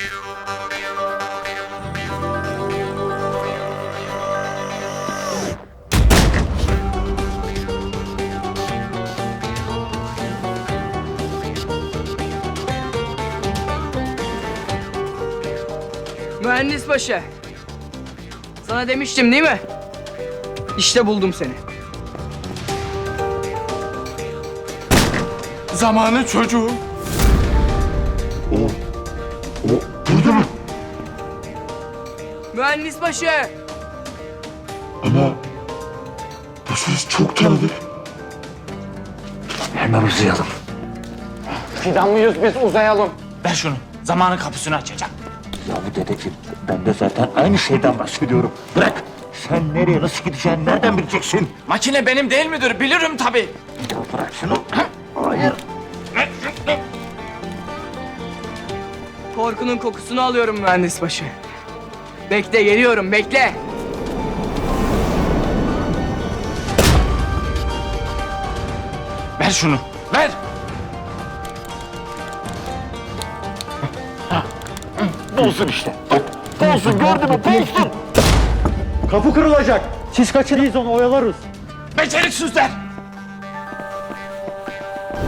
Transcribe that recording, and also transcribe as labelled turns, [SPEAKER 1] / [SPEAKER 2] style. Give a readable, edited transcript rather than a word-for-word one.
[SPEAKER 1] Mühendis başı. Sana demiştim değil mi? İşte buldum seni.
[SPEAKER 2] Zamanı çocuğu. O burada mı?
[SPEAKER 1] Mühendis başı.
[SPEAKER 2] Ama bu ses çok tanıdık.
[SPEAKER 3] Hemen uzayalım.
[SPEAKER 4] Fidan mıyız biz, uzayalım.
[SPEAKER 5] Ver şunu. Zamanın kapısını açacak.
[SPEAKER 3] Ya bu dedeciğim, ben de zaten aynı şeyden bahsediyorum. Bırak. Sen nereye, nasıl gideceğini nereden bileceksin?
[SPEAKER 5] Makine benim değil midir? Bilirim tabii.
[SPEAKER 3] Ya bırak şunu. Hayır.
[SPEAKER 1] Korkunun kokusunu alıyorum mühendis başı. Bekle, geliyorum, bekle.
[SPEAKER 5] Ver şunu. Ver.
[SPEAKER 3] Bulsun işte. Bulsun, gördün mü? Bulsun.
[SPEAKER 6] Kapı kırılacak. Siz kaçın, biz onu oyalarız.
[SPEAKER 5] Beceriksizler.